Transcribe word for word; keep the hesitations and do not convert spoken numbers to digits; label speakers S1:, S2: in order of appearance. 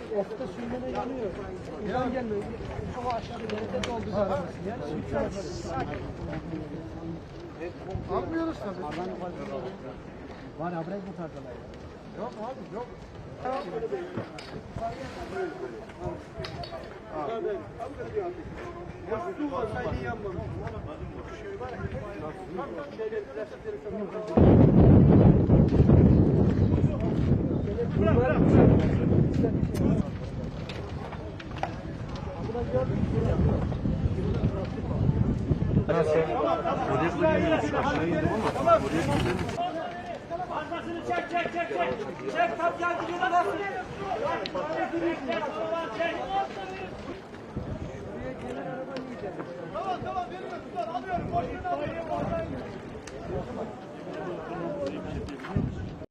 S1: Ofta suyuna yanıyor. Buradan gelmiyor. Çok aşağıda derede doldu zaten. Yani
S2: almıyoruz tabii.
S1: var abrek bu tarafta.
S2: Yok abi yok.
S3: Nasıl? Oraya koyuyoruz. Aşağıya indim ama oraya koyuyoruz.
S4: Arkasını çek çek çek çek. Çek tam geldi yine nasıl? Tamam tamam veriyorum. Alıyorum. Boşuna alıyorum.